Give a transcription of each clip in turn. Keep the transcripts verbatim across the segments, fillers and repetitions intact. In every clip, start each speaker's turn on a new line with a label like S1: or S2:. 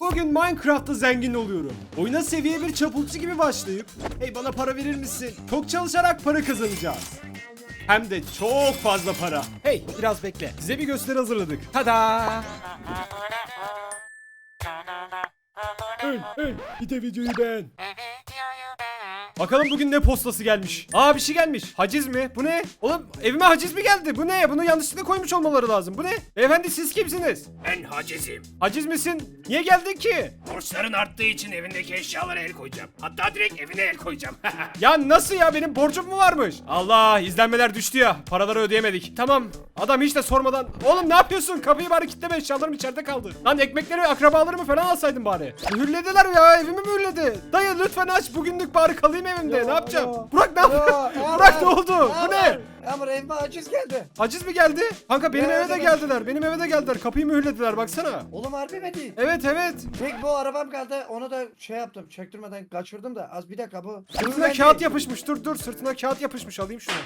S1: Bugün Minecraft'ta zengin oluyorum. Oyuna seviye bir çapulcu gibi başlayıp hey bana para verir misin? Çok çalışarak para kazanacağız. Hem de çok fazla para. Hey biraz bekle. Size bir gösteri hazırladık. Tada! Hey hey bir de videoyu beğen. Bakalım bugün ne postası gelmiş. Aa bir şey gelmiş. Haciz mi? Bu ne? Oğlum evime haciz mi geldi? Bu ne? Bunu yanlışlıkla koymuş olmaları lazım. Bu ne? Beyefendi siz kimsiniz?
S2: Ben hacizim.
S1: Haciz misin? Niye geldin ki?
S2: Borçların arttığı için evindeki eşyalara el koyacağım. Hatta direkt evine el koyacağım.
S1: Ya nasıl ya? Benim borcum mu varmış? Allah izlenmeler düştü ya. Paraları ödeyemedik. Tamam. Adam hiç de sormadan. Oğlum ne yapıyorsun? Kapıyı bari kilitleme, eşyalarım içeride kaldı. Lan ekmekleri akrabalarımı falan alsaydın bari. Mühürlediler ya, evimi mühürledi. Dayı lütfen aç, bugünlük bari kalayım evimde.
S3: Yo,
S1: ne yapacağım?
S3: yo,
S1: Burak ne
S3: yo,
S1: yapıyorsun?
S3: Yağmur,
S1: Burak ne oldu? Bu ne?
S3: Yağmur, Yağmur evime aciz geldi.
S1: Haciz mi geldi? Kanka benim
S3: Evet,
S1: eve de
S3: evet.
S1: geldiler. Benim eve de geldiler. Kapıyı mühürlediler baksana.
S3: Oğlum harbi mi değil?
S1: Evet evet.
S3: Tek bu arabam kaldı. Onu da şey yaptım. Çektirmeden kaçırdım da. Az bir dakika bu.
S1: Sırtına kağıt yapışmış. Dur dur. Sırtına kağıt yapışmış. Alayım şunu.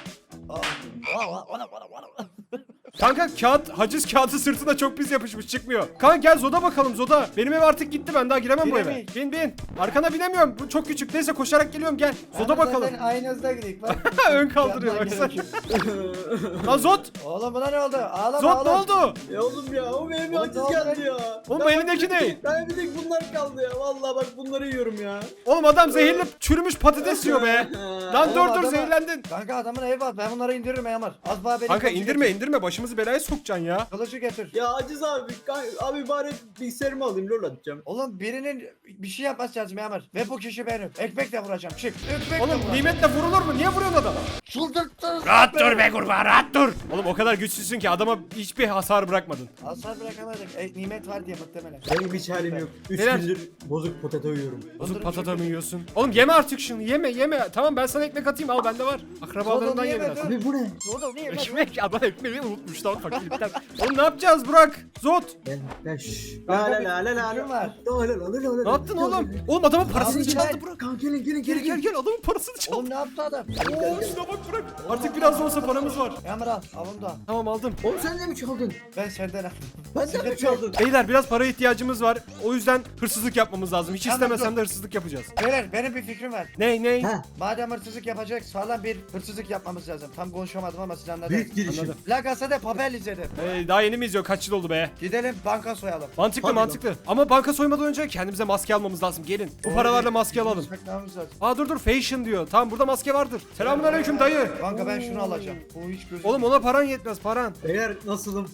S1: Kanka kağıt, haciz kağıdı sırtına çok pis yapışmış, çıkmıyor. Kanka gel Zoda bakalım Zoda. Benim ev artık gitti, ben daha giremem bu eve.
S3: Giremeyiz.
S1: Bin bin. Arkana binemiyorum, bu çok küçük. Neyse koşarak geliyorum, gel. Zoda bakalım.
S3: Aynı hızda gidelim. Bak.
S1: Ön kaldırıyor
S3: Yandan
S1: baksana.
S3: gerekiyor.
S1: Lan Zot.
S3: Oğlum buna ne oldu? Ağlama
S1: Zot ne
S3: oğlum.
S1: oldu?
S4: Ya oğlum ya o benim
S3: Oğlum
S4: haciz
S3: ne oldu
S4: geldi
S3: be?
S4: ya.
S1: Oğlum
S4: Ben
S1: bu elindeki
S4: bak-
S1: ne?
S4: Ben bir tek bunlar kaldı ya. Vallahi bak bunları yiyorum ya.
S1: Oğlum adam zehirli çürümüş patates yiyor be. Lan
S3: Oğlum
S1: dur dur
S3: adama-
S1: zehirlendin.
S3: Kanka adamın evi var. Ben bunları indiririm Yağmur. Az daha benim
S1: Kanka
S3: kılıcı
S1: indirme
S3: getir.
S1: indirme, başımızı belaya sokacaksın ya.
S3: Kılıcı getir.
S4: Ya haciz abi. kan- Abi bari bilgisayarımı alayım lol atacağım.
S3: Oğlum birinin bir şey yapması lazım Yağmur. Ve bu kişi benim. Ekmekle vuracağım. Çık. Ekmekle
S1: Oğlum
S3: vuracağım.
S1: nimetle vurulur mu? Niye vuruyorsun adamı?
S3: Çıldırttınız.
S2: Rahat dur be kurbağa, rahat dur.
S1: Oğlum o kadar güçsüzsün ki adama hiçbir hasar bırakmadın.
S3: Hasar bırakamadık. E, nimet var diye muhtemelen.
S4: Benim hiç halim yok. üç
S1: Neler?
S4: gündür bozuk potato yiyorum.
S1: Bozuk patata mı yiyorsun? Oğlum yeme artık şunu, yeme yeme. Tamam ben sana ekmek atayım, al bende var. Akrabalarından
S3: Oğlum,
S1: ye
S3: yeme,
S1: biraz.
S3: dur.
S4: Abi bu ne?
S3: Oğlum niye?
S1: Ekmek, adam ekmeği unutmuş lan fakirlikten. Oğlum ne yapacağız Burak? Zot.
S4: Gel gel şşş. La
S3: Kanka,
S4: la
S3: bir
S4: la la la
S3: fikrim
S4: la.
S3: var.
S4: La la la la la.
S1: Ne yaptın oğlum? Oğlum adamın parasını
S3: Abi,
S1: çaldı
S3: gel.
S1: Burak.
S4: Kanka gelin gelin
S1: Gel
S4: gelin
S1: gel gel, adamın parasını çaldı.
S3: Oğlum ne yaptı adam?
S1: Oo şuna bak Burak. Artık biraz da olsa paramız var.
S3: Yağmur al. Al onu da.
S1: Tamam aldım.
S4: Oğlum sen de mi çaldın?
S3: Ben senden aldım.
S4: Ben de mi çaldın?
S1: Beyler biraz para ihtiyacımız var. O yüzden hırsızlık yapmamız lazım. Hiç
S3: Tamam,
S1: istemesen
S3: dur.
S1: de hırsızlık yapacağız.
S3: Beyler benim bir fikrim var.
S1: Ney ney?
S4: Ha,
S3: Madem hırsızlık yapacak sağlam bir hırsızlık yapmamız lazım. Tam konuşamadım ama siz anladınız.
S4: büyük girişim.
S1: Anladım.
S3: La Casa de Papel izledim.
S1: Ee, daha yeni mi izliyor? Kaç yıl oldu be?
S3: Gidelim banka soyalım.
S1: Mantıklı
S4: Hadi lan.
S1: mantıklı. Ama banka soymadan önce kendimize maske almamız lazım. Gelin. Bu paralarla maske alalım.
S3: Saklamamız lazım.
S1: Aa dur dur, fashion diyor. Tamam burada maske vardır. Selamünaleyküm dayı.
S3: Kanka ben şunu alacağım. Bu hiç gözüm.
S1: Oğlum ona paran yetmez, paran.
S4: Beyler nasılım?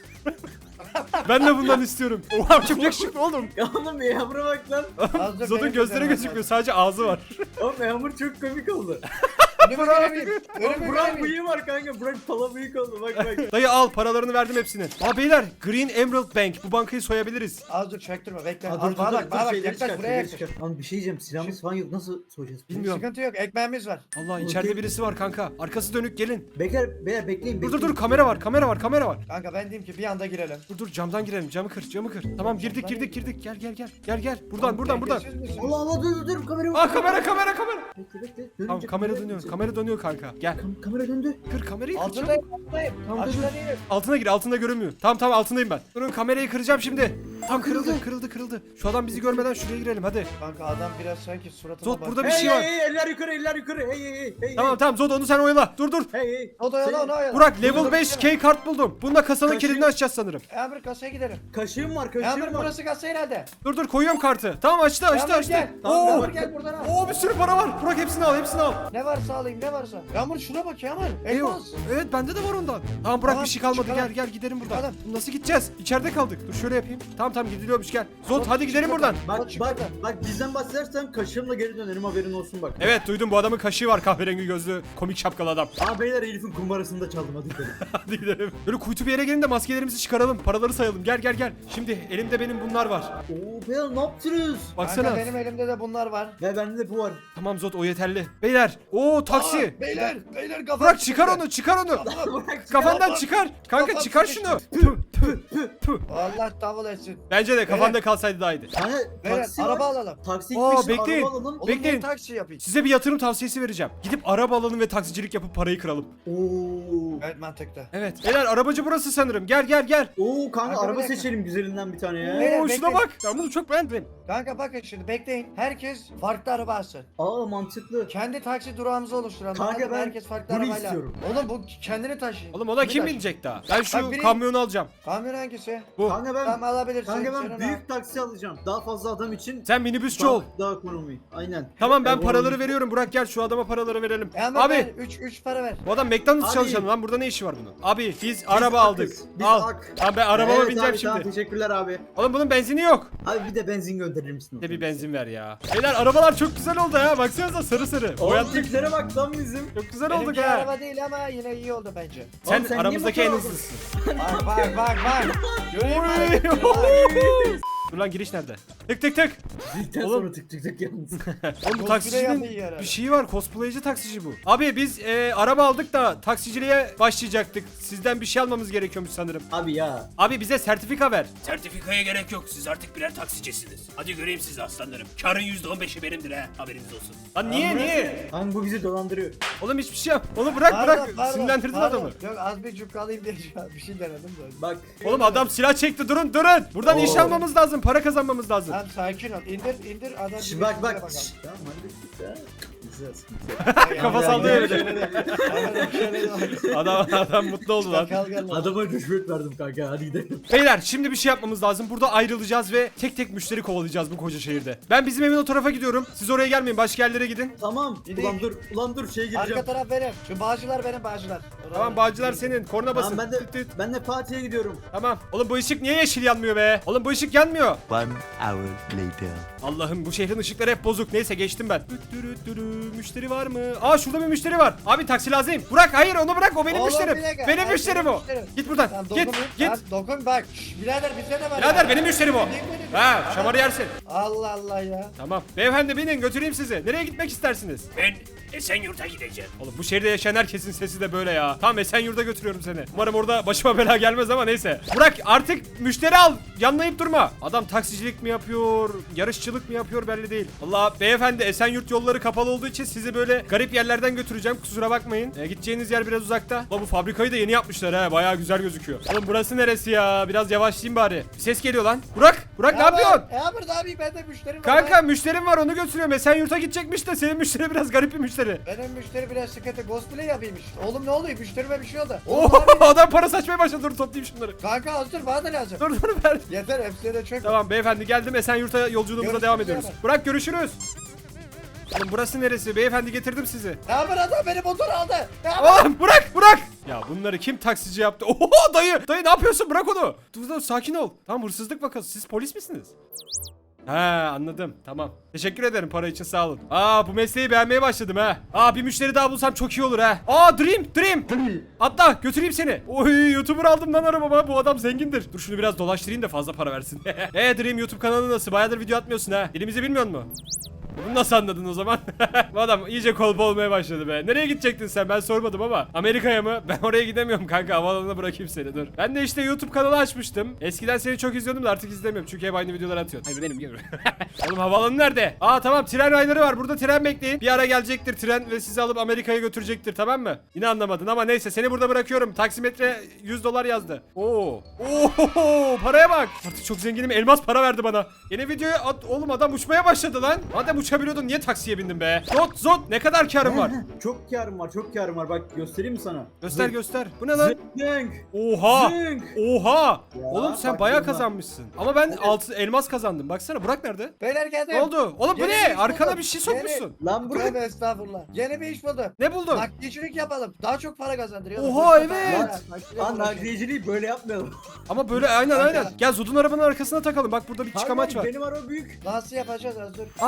S1: Ben de bundan istiyorum. Oha çok yakışıklı oğlum.
S4: Ya oğlum yağmura bak lan.
S3: Az dur,
S1: Zod'un
S3: benim
S1: gözleri
S3: güzelim
S1: gözükmüyor, sadece ağzı var.
S4: Oğlum yağmur çok komik oldu.
S3: Önümü göremeyeyim.
S4: Oğlum
S3: Önümü
S4: Burak
S3: göremeyeyim.
S4: bıyığı var kanka. Burak pala bıyık oldu bak bak.
S1: Dayı al, paralarını verdim hepsini. Aa beyler, Green Emerald Bank. Bu bankayı soyabiliriz.
S3: Az dur çaktırma bekle.
S4: Aa,
S3: Az
S4: dur dur
S3: bana
S4: dur.
S3: bak bana
S4: dur
S3: bak
S4: şeyleri
S3: yaklaş
S4: çıkart,
S3: buraya
S4: şeyleri
S3: yaklaş.
S4: çıkart. Lan bir şey diyeceğim. Silahımız falan yok. Nasıl soyacağız?
S1: Bilmiyorum.
S3: Sıkıntı yok ekmeğimiz var.
S1: Allah içeride
S4: Okey.
S1: birisi var kanka. Arkası dönük, gelin.
S4: Bekler, beyler bekleyin.
S1: Dur dur
S4: bekleyin.
S1: dur, kamera var, kamera var, kamera var.
S3: Kanka ben diyeyim ki bir anda girelim.
S1: Dur dur, camdan girelim. Camı kır, camı kır. Tamam girdik girdik girdik. Gel gel gel. Gel gel. Buradan buradan buradan.
S3: Dengesiz misiniz?
S4: Allah Allah dur dur dur kamera
S1: Aa kamera kamera kamera.
S4: Bekle bekle.
S1: Tamam
S4: Dönünce
S1: kamera
S4: kamera
S1: dönüyor.
S4: dönecek.
S1: Kamera dönüyor kanka. Gel.
S4: Kam- kamera döndü.
S1: Kır kamerayı, kır çabuk.
S3: Altındayım altındayım.
S4: Tamam, dur,
S3: Aşağıda
S4: dur.
S3: değilim.
S1: Altına gir, altında görünmüyor. Tamam tamam altındayım ben. Durun kamerayı kıracağım şimdi. Tam kırıldı kırıldı kırıldı. Şu adam bizi görmeden şuraya girelim hadi.
S3: Kanka adam biraz sanki suratıma
S1: Zot
S3: bak.
S1: burada bir
S4: Hey
S1: şey
S4: hey
S1: var.
S4: hey eller yukarı eller yukarı. Hey hey hey. hey
S1: Tamam
S4: hey.
S1: tamam Zod onu sen oyala. Dur dur.
S4: Hey hey.
S3: O da yana
S4: Senin-
S3: ona yana.
S1: Burak level
S3: Dur,
S1: beş
S3: dur,
S1: key kart buldum. Bununla kasanın
S4: Kaçıyor.
S1: kilidini açacağız sanırım.
S3: Yağmur kasaya gidelim.
S4: Kaşığım var kaşığım
S3: Yağmur
S4: var.
S3: burası kasa herhalde.
S1: Dur dur koyuyorum kartı. Tamam açtı açtı
S3: Yağmur
S1: açtı.
S3: gel.
S1: Oo.
S3: Yağmur gel buradan al.
S1: Oo bir sürü para var. Burak hepsini al hepsini al.
S3: Ne varsa alayım ne varsa. Yağmur şuna bak Yağmur.
S1: Eyvah.
S3: Elmas.
S1: Evet bende de var ondan. Tamam Burak
S3: Tamam,
S1: bir şey kalmadı.
S3: çıkalım.
S1: Gel gel gidelim buradan.
S3: Çıkalım.
S1: Nasıl gideceğiz? İçeride kaldık. Dur şöyle yapayım. Tamam tamam gidiliyormuş gel. Zod
S3: Zod,
S1: hadi gidelim
S3: çık
S1: buradan.
S3: buradan.
S4: Bak
S3: Çık
S4: bak
S3: oradan.
S4: bak bizden bahsedersen kaşığımla geri dönerim haberin olsun bak.
S1: Evet duydum, bu adamın kaşığı var, kahverengi gözlü komik şapkalı adam.
S4: Aa beyler Elif'in kumbarasını da çaldım hadi gidelim.
S1: Hadi gidelim. Böyle kuytu bir yere gelin de maskelerimizi çıkaralım. Paraları sayalım. Gel gel gel. Şimdi elimde benim bunlar var.
S4: Oo beyler ne yaptınız?
S1: Baksana.
S3: Kanka benim elimde de bunlar var.
S4: Ya bende de bu var.
S1: Tamam Zod o yeterli. Beyler. Oo taksi.
S3: Aa, beyler beyler kafam
S1: Burak çıkar
S3: sıkıştı.
S1: onu çıkar onu.
S3: Kafam-
S1: Kafandan
S3: Kafam-
S1: çıkar. Kanka
S3: kafam
S1: çıkar
S3: sıkıştı.
S1: şunu. Tüh, tüh, tüh.
S3: Allah davul etsin.
S1: Bence de kafanda kalsaydı daha iyiydi.
S4: Hani
S3: Beyler
S4: taksi
S3: araba
S4: var.
S3: alalım.
S4: Taksi
S1: Aa,
S4: gitmiş
S1: bekleyin.
S4: araba alalım.
S3: Oğlum
S1: Bekleyin.
S3: ben taksi yapayım.
S1: Size bir yatırım tavsiyesi vereceğim. Gidip araba alalım ve taksicilik yapıp parayı kıralım.
S4: Oo.
S3: Evet mantıklı.
S1: Evet. Beyler arabacı burası sanırım. Gel gel gel.
S4: Oo kanka
S3: Kanka,
S4: araba
S3: bir dakika.
S4: seçelim güzelinden bir tane ya.
S3: Beyler,
S1: Oo şuna
S3: bekleyin.
S1: bak. Ben bunu çok beğendim.
S3: Kanka bakın şimdi bekleyin. Herkes farklı araba alsın.
S4: Aa mantıklı.
S3: Kendi taksi durağımızı oluşturalım.
S4: Kanka,
S3: Anladın mı?
S4: ben
S3: herkes farklı
S4: bunu
S3: arabayla.
S4: istiyorum.
S3: Oğlum bu kendini taşıyın.
S1: Oğlum ona
S3: Kimi
S1: kim
S3: taşıyın?
S1: binecek daha? Ben şu
S3: Bak, biri-
S1: kamyonu alacağım.
S3: Kamyon hangisi?
S1: Bu.
S4: Kanka ben
S3: Tamam alabilirsin.
S4: kanka ben
S3: Senin
S4: büyük taksi alacağım. Daha fazla adam için.
S1: Sen minibüsçü
S4: daha,
S1: ol.
S4: daha ekonomi. Aynen.
S1: Tamam ben
S4: Ekonomi.
S1: paraları veriyorum. Burak gel şu adama paraları verelim.
S3: al. Ama
S1: Abi
S3: üç üç para ver.
S1: bu adam McDonald's
S4: Abi.
S1: çalışanı lan. Burada ne işi var bunun? Abi biz,
S4: Biz
S1: araba aldık.
S4: akız, Biz
S1: Al.
S4: ak.
S1: Tamam ben arabama
S4: Evet
S1: bineceğim
S4: abi,
S1: şimdi.
S4: Tamam, teşekkürler abi.
S1: Oğlum bunun benzini yok.
S4: Abi bir de benzin gönderir misin?
S1: Bir de bir benzin ver ya. Beyler arabalar çok güzel oldu ya. Baksanıza sarı sarı.
S4: Oğlum
S1: Boyattık.
S4: tiplere bak lan bizim.
S1: Çok güzel olduk
S3: Benimki
S1: ha.
S3: araba değil ama yine iyi oldu bence.
S1: Sen,
S4: Oğlum sen niye
S1: aramızdaki en
S4: motor aldın?
S1: hızlısın.
S3: Bak bak bak bak. Göreyim mi?
S1: Oy.
S3: Bak.
S1: Dur lan giriş nerede? Tık tık tık.
S4: Zilten
S1: Oğlum.
S4: sonra tık tık tık yalnız.
S1: Oğlum bu
S3: Cosplay
S1: taksicinin
S3: yapıyor herhalde.
S1: bir şeyi var. Cosplayci taksici bu. Abi biz e, araba aldık da taksiciliğe başlayacaktık. Sizden bir şey almamız gerekiyormuş sanırım.
S4: Abi ya.
S1: Abi bize sertifika ver.
S2: Sertifikaya gerek yok. Siz artık birer taksicisiniz. Hadi göreyim sizi aslanlarım. Karın yüzde on beşi benimdir ha. Haberiniz olsun.
S1: Lan niye niye?
S4: Kanka bu bizi dolandırıyor.
S1: Oğlum hiçbir şey yap. Onu bırak
S3: Pardon,
S1: bırak.
S3: pardon,
S1: Sinirlendirdin
S3: pardon.
S1: adamı.
S3: Yok az bir cukka alayım diye bir şey denedim de.
S4: Bak.
S1: Oğlum adam silah çekti. Durun durun. Buradan iş
S4: Oo.
S1: almamız lazım. Para kazanmamız lazım.
S3: Tamam sakin ol. İndir indir adam.
S4: Şş,
S3: gibi
S4: bak
S3: işimize
S4: bak.
S3: bakalım.
S4: Şş, Tamam hadi. Ya. Güzel, güzel.
S1: Kafa
S3: Ya,
S1: sallıyor
S3: ya,
S1: öyle.
S3: şöyle de- Aynen, şöyle de bak.
S1: Adam adam mutlu oldu lan.
S3: Kal gel lan.
S4: Adama rüşvet verdim kanka hadi gidelim.
S1: Beyler şimdi bir şey yapmamız lazım. Burada ayrılacağız ve tek tek müşteri kovalayacağız bu koca şehirde. Ben bizim evin o tarafa gidiyorum. Siz oraya gelmeyin. Başka yerlere gidin.
S4: Tamam.
S3: Gidelim.
S4: Ulan dur. Ulan dur şeye
S3: Arka
S4: gireceğim.
S3: taraf benim. Şu bağcılar benim bağcılar.
S1: Tamam bağcılar senin. Korna basın.
S4: Tamam ben de
S1: Tıt tıt.
S4: ben de Fatih'e gidiyorum.
S1: Tamam. Oğlum bu ışık niye yeşil yanmıyor be? Oğlum bu ışık yanmıyor.
S5: One hour later.
S1: Allah'ım bu şehrin ışıkları hep bozuk. Neyse geçtim ben. Dürü dürü, müşteri var mı? Aa şurada bir müşteri var. Abi taksi lazım. Burak hayır onu bırak o benim
S3: Oğlum,
S1: müşterim.
S3: bir dakika.
S1: Benim
S3: Ay,
S1: müşterim
S3: benim
S1: o.
S3: müşterim.
S1: Git buradan.
S3: Tamam,
S1: Git
S3: dokunmayın.
S1: git.
S3: Tamam, dokun bak. Şş, birader bizde ne var
S1: Birader
S3: ya?
S1: benim müşterim o.
S3: Benim, benim.
S1: Ha şamarı yersin.
S3: Allah Allah ya.
S1: Tamam. Beyefendi binin götüreyim sizi. Nereye gitmek istersiniz?
S2: Ben Esenyurt'a gideceğim.
S1: Oğlum bu şehirde yaşayan herkesin sesi de böyle ya. Tamam Esenyurt'a götürüyorum seni. Umarım orada başıma bela gelmez ama neyse. Burak artık müşteri al. Yanlayıp durma. Adam taksicilik mi yapıyor, yarışçılık mı yapıyor belli değil. Allah beyefendi Esenyurt yolları kapalı olduğu için sizi böyle garip yerlerden götüreceğim. Kusura bakmayın. E, gideceğiniz yer biraz uzakta. Ulan bu fabrikayı da yeni yapmışlar ha. Bayağı güzel gözüküyor. Oğlum burası neresi ya? Biraz yavaşlayayım bari. Bir ses geliyor lan. Burak, Burak ne yapıyorsun?
S3: E abi ne yapayım ben de müşterim var.
S1: Kanka müşterim var onu götürüyorum. Esenyurt'a gidecekmiş de senin müşteri biraz garip bir müşteri.
S3: Benim müşteri biraz sıkıntı. Cosplay yapayım işte. Oğlum ne oluyor? Müşterime bir şey oldu.
S1: Oo,
S3: Oğlum abi.
S1: adam para saçmaya başladı. Dur toplayayım şunları.
S3: Kanka hazır bana da lazım.
S1: Dur dur ver.
S3: Yeter hepsine de çök.
S1: Tamam beyefendi geldim Esenyurt'a yolculuğumuza
S3: Görüşürüz
S1: devam ediyoruz.
S3: hemen.
S1: Burak görüşürüz. Oğlum burası neresi? Beyefendi getirdim sizi.
S3: Ne yapar adam beni motor aldı. Ne yapar?
S1: Oğlum Burak Burak. Ya bunları kim taksici yaptı? Oho dayı. Dayı ne yapıyorsun? Bırak onu. Dur dur sakin ol. Tamam hırsızlık vakası. Siz polis misiniz? Ha anladım. Tamam. Teşekkür ederim para için sağ olun. Aa bu mesleği beğenmeye başladım ha. Aa bir müşteri daha bulsam çok iyi olur ha. Aa Dream Dream. Atla götüreyim seni. Oy YouTuber aldım lan arabama. Bu adam zengindir. Dur şunu biraz dolaştırayım da fazla para versin. Eee Dream YouTube kanalı nasıl? Bayağıdır video atmıyorsun ha. Dilimizi bilmiyor musun? Bunu nasıl anladın o zaman? Bu adam iyice kolpa olmaya başladı be. Nereye gidecektin sen? Ben sormadım ama. Amerika'ya mı? Ben oraya gidemiyorum kanka. Havaalanına bırakayım seni dur. Ben de işte YouTube kanalı açmıştım. Eskiden seni çok izliyordum da artık izlemiyorum. Çünkü hep aynı videolar atıyorsun. Hayır benim gibi. Oğlum havaalanı nerede? Aa tamam tren rayları var. Burada tren bekleyin. Bir ara gelecektir tren ve sizi alıp Amerika'ya götürecektir tamam mı? Yine anlamadın ama neyse seni burada bırakıyorum. Taksimetre yüz dolar yazdı. Oo. Oo paraya bak. Artık çok zenginim. Elmas para verdi bana. Yeni videoya at. Oğlum adam uçmaya başladı lan. Madem uçabiliyordun niye taksiye bindin be? Zot zot ne kadar karın var?
S4: Çok karım var, çok karım var. Bak göstereyim mi sana?
S1: Göster
S4: Zınk,
S1: göster. Bu ne lan?
S4: zınk,
S1: Oha.
S4: zınk.
S1: Oha.
S4: Ya,
S1: Oğlum sen
S4: bak
S1: bayağı
S4: bunlar.
S1: kazanmışsın. Ama ben altı elmas kazandım. Baksana Burak nerede?
S3: Beyler geldim.
S1: Ne oldu? Oğlum bu
S3: Yeni
S1: ne?
S3: iş
S1: Arkana
S3: buldum.
S1: bir şey
S3: Yeni-
S1: sokmuşsun.
S4: Lan bırak.
S3: Tövbe estağfurullah. Yeni bir iş buldum.
S1: Ne buldun?
S3: Nakliyecilik yapalım. Daha çok para kazandırıyor.
S1: Oha,
S3: Boşta
S1: evet.
S3: para var. Nakliyecilik
S4: Lan
S3: uğraşıyor.
S4: nakliyeciliği böyle yapmayalım.
S1: Ama böyle aynen
S3: Kanka.
S1: aynen. Gel Zod'un arabanın arkasına takalım. Bak burada bir çıkamaç var.
S4: Benim araba büyük.
S3: Nasıl yapacağız az dur.
S1: Aa taktın tamam.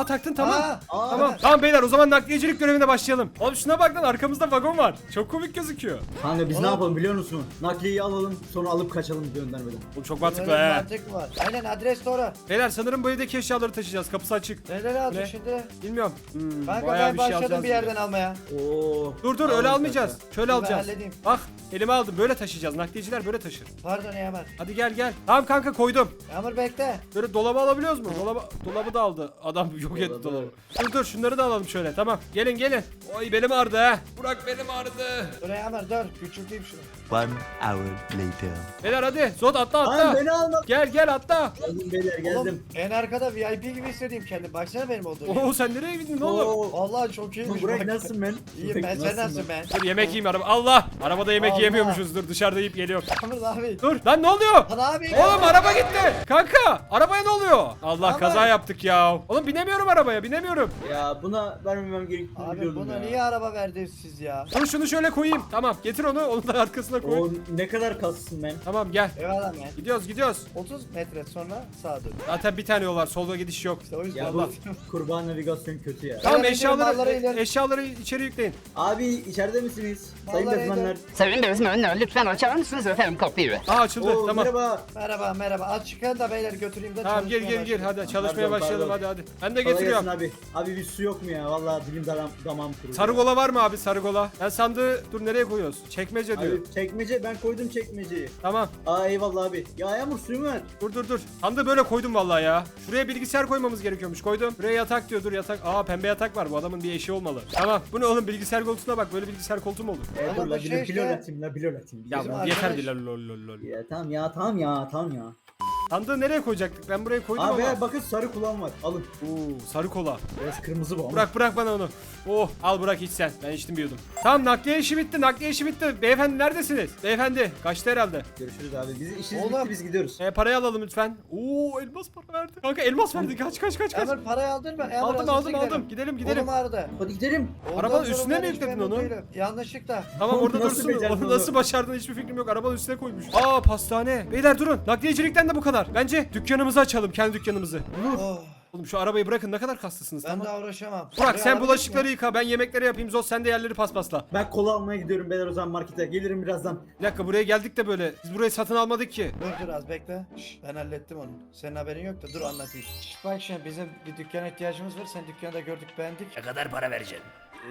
S1: Tamam.
S3: Aa,
S4: Aa,
S1: Tamam. Tamam beyler o zaman nakliyecilik görevine başlayalım. Oğlum şuna bak lan arkamızda vagon var. Çok komik gözüküyor.
S4: Kanka biz
S3: Oğlum.
S4: ne yapalım biliyor musun? Nakliyeyi alalım sonra alıp kaçalım göndermeden.
S1: Oğlum çok
S3: Böyle
S1: mantıklı
S3: bir
S1: he.
S3: mantık var. Aynen adres doğru.
S1: Beyler sanırım bu evdeki eşyaları taşıyacağız. Kapısı açık.
S3: Neler
S1: Ne?
S3: aldık şimdi?
S1: Bilmiyorum. Hmm,
S3: Kanka
S1: bayağı
S3: ben
S1: bir şey
S3: başladım
S1: alacağız
S3: bir
S1: gibi.
S3: yerden almaya.
S4: Oo.
S1: Dur dur
S4: Alalım
S1: öyle almayacağız.
S4: kanka.
S1: Şöyle
S3: Ben
S1: alacağız.
S3: halledeyim.
S1: Bak elime aldım böyle taşıyacağız. Nakliyeciler böyle taşır.
S3: Pardon Yağmur.
S1: Hadi gel gel. Tamam kanka koydum.
S3: Yağmur bekle.
S1: Böyle dolabı alabiliyoruz mu? Dolaba, dolabı da aldı. Adam yok etti
S4: Dolabı.
S1: dolabı. Dur dur şunları da alalım şöyle tamam. Gelin gelin. Oy belim ağrıdı ha. Burak belim ağrıdı.
S3: Dur Yağmur dur. Küçülteyim şunu.
S5: One hour later.
S1: Beyler hadi. Zod atla
S4: Lan
S1: atla.
S4: beni alma.
S1: Gel gel atla.
S4: Geldim beyler geldim.
S3: Oğlum en arkada V I P gibi hissediyorum kendimi. Baksana benim olduğum.
S1: Oo sen nereye gittin oğlum?
S4: Oo.
S3: Vallahi çok iyiymiş.
S4: Burak
S3: bak.
S4: nasılsın ben?
S3: İyiyim ben sen nasılsın ben?
S1: Dur yemek yiyeyim araba. Allah! Arabada yemek
S3: Allah.
S1: yiyemiyormuşuz. Dur dışarıda yiyip geliyorum.
S3: Yağmur abi.
S1: Dur lan ne oluyor?
S3: Lan abi.
S1: Oğlum araba gitti. Kanka arabaya ne oluyor? Allah
S3: Ama-
S1: kaza yaptık ya. Oğlum binemiyorum arabaya binemiyorum.
S4: Ya buna vermemem gerektiğini
S3: Abi
S4: biliyordum
S3: buna
S4: ya.
S3: niye araba verdiniz siz ya?
S1: Dur şunu şöyle koyayım. Tamam getir onu. Onu da arkasına koy.
S4: O ne kadar kassın ben.
S1: Tamam gel.
S3: Eyvallah man.
S1: Gidiyoruz gidiyoruz.
S3: otuz metre sonra sağa dön.
S1: Zaten bir tane yol var. Solda gidiş yok.
S3: İşte o yüzden
S4: Ya
S3: bak.
S4: bu kurban navigasyon kötü ya.
S1: Tamam
S3: Beyler,
S1: eşyaları
S3: malları ileri-
S1: eşyaları içeri yükleyin.
S4: Abi içeride misiniz? Sayın
S3: Vallahi
S4: bezmenler.
S6: Sayın bezmenler lütfen açar mısınız efendim kapıyı?
S1: Aa açıldı.
S4: Oo,
S1: tamam.
S4: Merhaba.
S3: Merhaba merhaba. Aç çıkın da beyler götüreyim de
S1: Tamam gir
S3: çalışmaya
S1: gir gir
S3: başlayayım.
S1: hadi çalışmaya
S4: Pardon,
S1: başlayalım
S4: pardon.
S1: hadi hadi. Ben de
S4: Kolay
S1: getiriyorum.
S4: gelsin abi. Abi bir su yok mu ya? Vallahi dilim daram, damağım kurudu.
S1: Sarı kola var mı abi sarı kola? Ben sandığı dur nereye koyuyoruz? Çekmece diyor.
S4: Abi çekmece ben koydum çekmeceyi.
S1: Tamam.
S4: Aa eyvallah abi. Ya Yağmur suyu mu ver?
S1: Dur dur dur. Sandığı böyle koydum vallahi ya. Şuraya bilgisayar koymamız gerekiyormuş. Koydum. Buraya yatak diyor. Dur yatak. Aa pembe yatak var. Bu adamın bir eşi olmalı. Tamam. Bu ne oğlum bilgisayar koltuğuna bak. Böyle bilgisayar koltuğu mu olur?
S4: E,
S3: Ama
S4: dur
S3: bu
S4: la
S3: şey
S4: bir
S3: işte-
S4: pilol atayım la pilol atayım.
S1: Ya
S3: Bizim
S1: bu
S3: arkadaş-
S1: yeter bir lol lol lol lol.
S4: Ya tamam ya tamam ya tamam ya.
S1: Sandığı nereye koyacaktık? Ben buraya koydum
S4: Abi
S1: ama.
S4: ya bakın sarı kulağım var. Alın.
S1: Oo, sarı kola.
S4: Biraz kırmızı bu ama.
S1: Bırak bırak bana onu. Oh al bırak iç sen. Ben içtim bir yudum. Tamam nakliye işi bitti. Nakliye işi bitti. Beyefendi neredesiniz? Beyefendi kaçtı herhalde.
S4: Görüşürüz abi. Biz işimiz
S3: Oğlum.
S4: bitti biz gidiyoruz.
S1: E, parayı alalım lütfen. Oo elmas para verdi. Kanka elmas verdi. Kaç kaç kaç kaç.
S3: Yağmur parayı aldın mı? Yağmur,
S1: Aldım
S3: hızlı
S1: aldım
S3: gidelim.
S1: aldım. Gidelim gidelim.
S3: Kolum ağrıdı.
S4: Hadi gidelim.
S3: Ondan
S1: Arabanın
S3: sonra
S1: üstüne
S3: ben
S1: mi
S3: hiç
S1: yükledin
S3: memnun
S1: onu?
S3: değilim. Yanlışlıkla.
S1: Tamam
S4: Oğlum,
S1: orada
S4: nasıl
S1: dursun.
S4: becerdin
S1: Onu nasıl
S4: onu?
S1: başardın hiçbir fikrim yok. Arabanın üstüne koymuş. Aa pastane. Beyler durun. Nakliyecilikten de bu kadar. Bence dükkanımızı açalım. Kendi dükkanımızı.
S3: Oh,
S1: Oğlum şu arabayı bırakın. Ne kadar kaslısınız
S3: ben
S1: tamam.
S3: daha uğraşamam.
S1: Burak
S3: Buraya
S1: sen
S3: araba
S1: bulaşıkları
S3: gitmiyor.
S1: yıka. Ben yemekleri yapayım. Zos sen de yerleri paspasla.
S4: Ben kola almaya gidiyorum beyler o zaman markete. Gelirim birazdan.
S1: Bir dakika buraya geldik de böyle. Biz burayı satın almadık ki.
S3: Dur dur az bekle. Şş, ben hallettim onu. Senin haberin yok da dur anlatayım. Şş, bak şimdi bizim bir dükkana ihtiyacımız var. Sen dükkanda gördük beğendik.
S2: Ne kadar para vereceksin?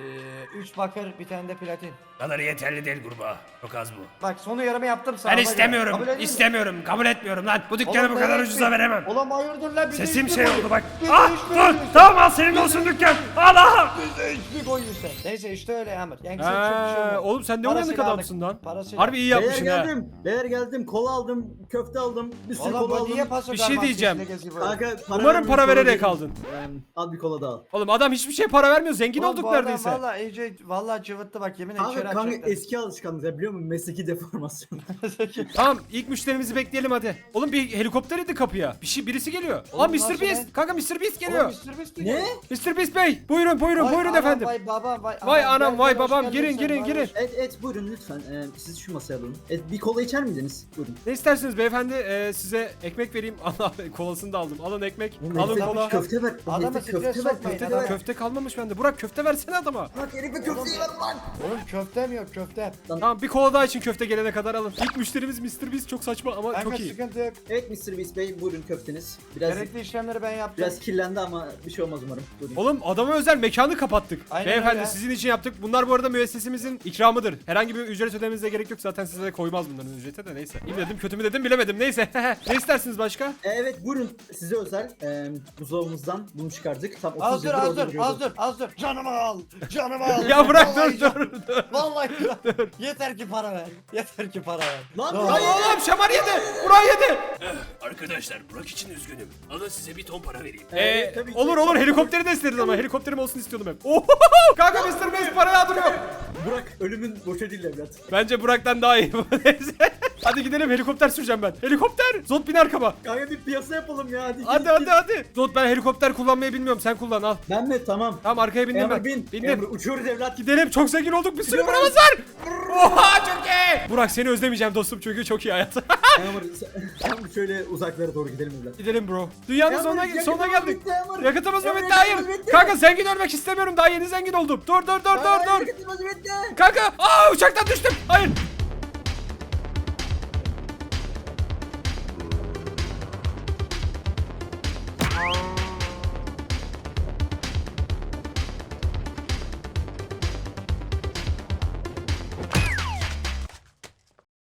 S3: Ee, üç bakır bir tane de platin.
S2: Kadar yeterli değil kurbağa. Çok az bu.
S3: Bak sonu yarımı yaptım sana.
S2: Ben
S3: ona göre.
S2: istemiyorum.
S3: Kabul ediyor musun?
S2: istemiyorum. Kabul etmiyorum lan. Bu dükkanı
S3: Oğlum,
S2: bu kadar
S3: böyle
S2: ucuza
S3: işte-
S2: veremem.
S3: Oğlum hayırdır lan bize
S2: Sesim
S3: hiç mi
S2: şey
S3: koyuyorsun?
S2: oldu bak.
S3: Bize
S2: Ah
S3: hiç mi
S2: dur.
S3: koyuyorsun?
S2: Tamam al senin olsun dükkan. Allah.
S3: Bize hiç mi koyuyorsun? Neyse işte öyle Yağmur. Yani sen çok bir şey
S1: Ee,
S3: olmaz.
S1: oğlum sen ne
S3: Parasıyla
S1: uyanık adamsın
S3: aldık.
S1: lan.
S3: Parasıyla.
S1: Harbi iyi
S4: Beyler
S1: yapmışsın ha.
S4: geldim. Beyler geldim. Kola aldım. Köfte aldım. Bir sürü
S3: Oğlum
S4: kola
S3: bu
S4: aldım.
S3: niye paso
S1: Bir şey
S3: garman
S1: diyeceğim.
S3: sesle geziyor böyle?
S4: Kanka, para
S1: Umarım para
S4: vermemiş
S1: vererek
S4: olabilirim.
S1: aldın.
S4: Ee, al bir kola daha al.
S1: Oğlum adam hiçbir şey para vermiyor. Zengin
S3: Oğlum,
S1: olduk
S3: bu adam
S1: neredeyse.
S3: Valla iyice valla cıvıttı bak yemin ederim içeri
S4: Kanka, kanka
S3: atacaklar.
S4: eski alışkanlık ya biliyor musun? Mesleki deformasyon.
S1: Tamam ilk müşterimizi bekleyelim hadi. Oğlum bir helikopter indi kapıya. Bir şey birisi geliyor.
S3: Oğlum,
S1: Aa
S3: nasıl
S1: mister Beast.
S3: be?
S1: Kanka mister Beast geliyor.
S3: Oğlum, mister Beast
S4: Ne?
S3: geliyor.
S1: mister Beast Bey. Buyurun buyurun
S3: Vay
S1: buyurun
S3: anam,
S1: efendim.
S3: Vay babam vay,
S1: Vay
S3: anam,
S1: anam
S3: gel,
S1: vay
S3: gel, hoş
S1: babam
S3: geldin
S1: girin
S3: sen,
S1: girin
S3: vay,
S1: girin.
S3: hoş-
S4: et et buyurun lütfen. Ee, siz şu masaya alın. Et, bir kola içer miydiniz? Buyurun.
S1: Ne istersiniz beyefendi? Ee, size ekmek vereyim. Allah kolasını da aldım. Alın ekmek.
S4: Oğlum,
S1: Alın
S4: herife
S1: kola.
S4: Köfte ver.
S3: Adamı
S4: Herife
S3: stres
S4: köfte ver.
S3: sokmayın,
S4: Köfte
S3: adam-
S4: ver.
S1: Köfte kalmamış bende. Burak köfte versene adama.
S4: Bak herife köfteyi ver lan.
S3: Oğlum köfte mi yok köfte?
S1: Tamam bir kola daha için köfte gelene kadar alın. İlk müşterimiz mister Beast çok saçma ama
S3: Kanka
S1: çok iyi.
S3: sıkıntı yok.
S4: Evet mister Beast Bey buyurun köfteniz. Biraz
S3: Gerekli işlemleri ben yaptım.
S4: biraz kirlendi ama bir şey olmaz umarım. Buyurun.
S1: Oğlum adama özel mekanı kapattık.
S3: Aynen
S1: Beyefendi
S3: öyle.
S1: sizin için yaptık. Bunlar bu arada müessesemizin ikramıdır. Herhangi bir ücret ödemenize gerek yok. Zaten size de koymaz bunların ücreti de neyse. İyi mi dedim kötü mü dedim bilemedim neyse. Ne istersiniz başka?
S4: Ee, Evet buyurun size özel e, buzdolabımızdan bunu çıkardık. Tam otuz
S3: Az dur
S4: yıldır
S3: az
S4: orada
S3: dur
S4: duruyordu.
S3: az dur az dur. Canımı al. Canımı al.
S1: Ya bırak
S3: Vallahi
S1: dur
S3: can-
S1: dur dur.
S3: Vallahi dur. Yeter ki para ver. Yeter ki para ver.
S4: Lan
S3: Dur.
S4: hayır.
S1: Oğlum şamar yedi. Burak yedi.
S2: Arkadaşlar Burak için üzgünüm. Alın size bir ton para vereyim.
S1: Ee,
S4: Evet, tabii ki.
S1: olur olur helikopteri de isteriz ama helikopterim olsun istiyordum hep. Oho! Kanka mister Beast para yağdırıyor.
S4: Burak ölümün boşa değil evlat.
S1: Bence Burak'tan daha iyi. Neyse. Hadi gidelim helikopter süreceğim ben. Helikopter. Zot bin arkama.
S4: Kanka bir piyasa yapalım ya hadi.
S1: Hadi
S4: git,
S1: hadi
S4: git.
S1: hadi. Zot ben helikopter kullanmayı bilmiyorum. Sen kullan al.
S4: Ben mi? Tamam.
S1: Tamam arkaya bindim
S4: Emre
S1: ben.
S4: bin.
S1: Bindim.
S4: Emre uçuyoruz evlat.
S1: Gidelim çok zengin olduk bir sürü
S4: Gidiyoruz.
S1: paramız var. Oha çok iyi. Burak seni özlemeyeceğim dostum çünkü çok iyi hayat.
S4: Yağmur sen- Yağmur şöyle uzaklara doğru gidelim evlat.
S1: Gidelim bro. Dünyanın
S4: Yağmur,
S1: sonuna,
S4: yakıtımız
S1: sonuna geldik.
S4: bitti Yağmur.
S1: Yakıtımız mı
S4: Yağmur,
S1: bitti? Hayır.
S4: yakıtımız bitti.
S1: Kanka zengin ölmek istemiyorum. Daha yeni zengin oldum. Dur dur dur dur
S4: Aa,
S1: dur.
S4: yakıtımız bitti.
S1: Kanka aa uçaktan düştüm. Hayır.